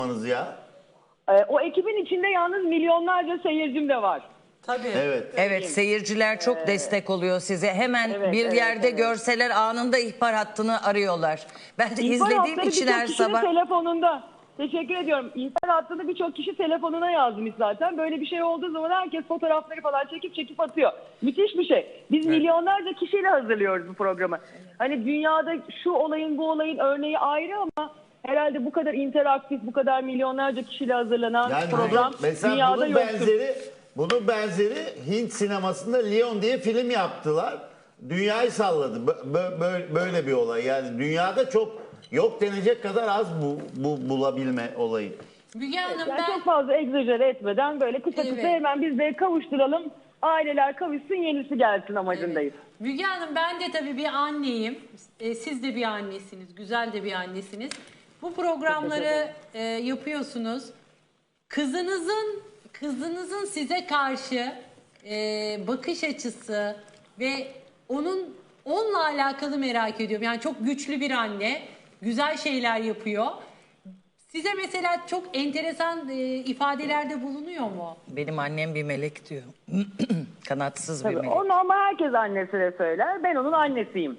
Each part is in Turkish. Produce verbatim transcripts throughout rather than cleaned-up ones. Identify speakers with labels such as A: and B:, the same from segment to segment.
A: ya.
B: Ee, o ekibin içinde yalnız milyonlarca seyircim de var.
C: Tabii.
A: Evet.
D: Evet, seyirciler çok
B: Ee,
D: destek oluyor size. Hemen
B: evet,
D: bir
B: evet,
D: yerde
B: evet.
D: görseler anında ihbar hattını arıyorlar. Ben de
B: İhbar
D: izlediğim
B: hatları
D: için
B: birçok
D: her
B: kişinin
D: sabah.
B: telefonunda. Teşekkür ediyorum. İhbar hattını birçok kişi telefonuna yazmış zaten. Böyle bir şey olduğu zaman herkes fotoğrafları falan çekip çekip atıyor. Müthiş bir şey. Biz
C: Evet.
B: milyonlarca kişiyle hazırlıyoruz bu programı. Hani dünyada şu olayın bu olayın örneği ayrı ama herhalde bu kadar interaktif, bu kadar milyonlarca kişiyle hazırlanan
A: Yani
B: program
A: bunun, mesela
B: dünyada
A: bunun
B: yoktur.
A: benzeri, bunun benzeri Hint sinemasında Leon diye film yaptılar. Dünyayı salladı. Bö- bö- böyle bir olay. Yani dünyada çok yok denecek kadar az bu, bu bulabilme olayı.
C: Müge Hanım
B: Yani
C: ben...
B: çok fazla egzajere etmeden böyle kısa kısa
C: Evet.
B: hemen biz de kavuşturalım. Aileler kavuşsun, yenisi gelsin amacındayız.
C: Müge Hanım ben de tabii bir anneyim. E, siz de bir annesiniz. Güzel de bir annesiniz. Bu programları e, yapıyorsunuz. Kızınızın kızınızın size karşı e, bakış açısı ve onun onunla alakalı merak ediyorum. Yani çok güçlü bir anne. Güzel şeyler yapıyor. Size mesela çok enteresan e, ifadelerde bulunuyor mu?
D: Benim annem bir melek diyor. Kanatsız bir
B: Tabii
D: melek.
B: onu ama herkes annesine söyler. Ben onun annesiyim.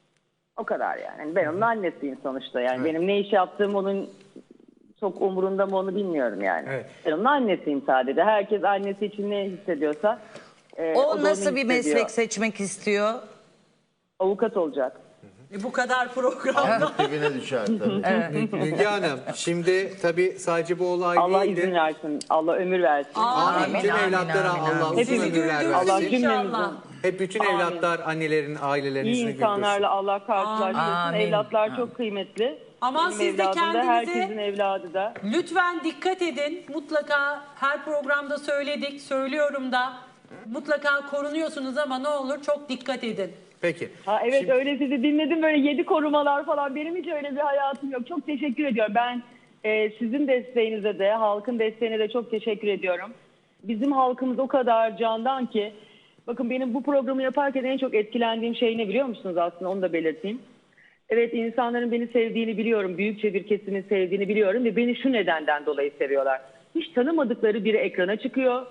B: O kadar yani. Yani ben onun annesiyim sonuçta. Yani benim ne iş yaptığım onun çok umurunda mı onu bilmiyorum yani.
E: Evet.
B: Ben onun annesiyim sadece. Herkes annesi için ne hissediyorsa e,
D: O
B: da onu
D: nasıl bir
B: hissediyor.
D: meslek seçmek istiyor?
B: Avukat olacak.
C: E, bu kadar program.
A: Alnı dibine düşer tabii.
E: Müge Hanım, şimdi tabii sadece bu olay
B: Allah
E: değildi.
B: izin versin. Allah ömür versin.
C: Amin.
E: Amin. Bütün
D: Amin,
E: evlatlara
D: amin,
E: Allah
D: amin.
E: uzun
B: Hepimizi
E: ömürler
C: güldürsün
B: Allah
E: versin.
B: cümlemizin
C: inşallah.
E: Hep bütün
B: Amin.
E: evlatlar annelerin, ailelerin
B: iyi
E: yüzünü
B: insanlarla
E: güldürsün.
B: Allah karşılaştırsın.
D: Amin.
B: Evlatlar
D: Amin.
B: çok kıymetli.
C: Aman
B: Benim
C: siz de
B: evladım da,
C: kendinize-
B: herkesin evladı da.
C: Lütfen dikkat edin. Mutlaka her programda söyledik, söylüyorum da. Mutlaka korunuyorsunuz ama ne olur çok dikkat edin.
E: Peki.
B: Ha evet
E: Şimdi-
B: öyle sizi dinledim böyle yedi korumalar falan. Benim hiç öyle bir hayatım yok. Çok teşekkür ediyorum. Ben e, sizin desteğinize de halkın desteğine de çok teşekkür ediyorum. Bizim halkımız o kadar candan ki bakın benim bu programı yaparken en çok etkilendiğim şey ne biliyor musunuz aslında onu da belirteyim. Evet insanların beni sevdiğini biliyorum. Büyükçe bir kesimin sevdiğini biliyorum ve beni şu nedenden dolayı seviyorlar. Hiç tanımadıkları biri ekrana çıkıyor.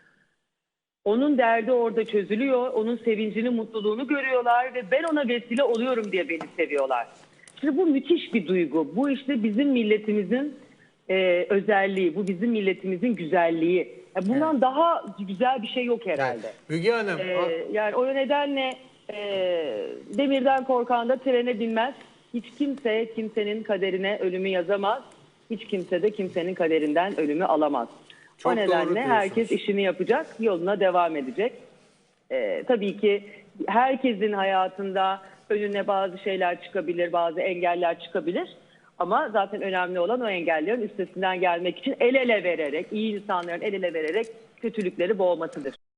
B: Onun derdi orada çözülüyor. Onun sevincini, mutluluğunu görüyorlar ve ben ona vesile oluyorum diye beni seviyorlar. Şimdi bu müthiş bir duygu. Bu işte bizim milletimizin e, özelliği. Bu bizim milletimizin güzelliği. Ya bundan
E: Evet.
B: daha güzel bir şey yok
E: Yani,
B: herhalde.
E: Müge Hanım,
B: Ee, yani o nedenle e, demirden korkan da trene binmez. Hiç kimse kimsenin kaderine ölümü yazamaz. Hiç kimse de kimsenin kaderinden ölümü alamaz.
E: Çok
B: o
E: doğru
B: nedenle
E: diyorsunuz.
B: herkes işini yapacak, yoluna devam edecek. Ee, tabii ki herkesin hayatında önüne bazı şeyler çıkabilir, bazı engeller çıkabilir. Ama zaten önemli olan o engellerin üstesinden gelmek için el ele vererek, iyi insanların el ele vererek kötülükleri boğmasıdır.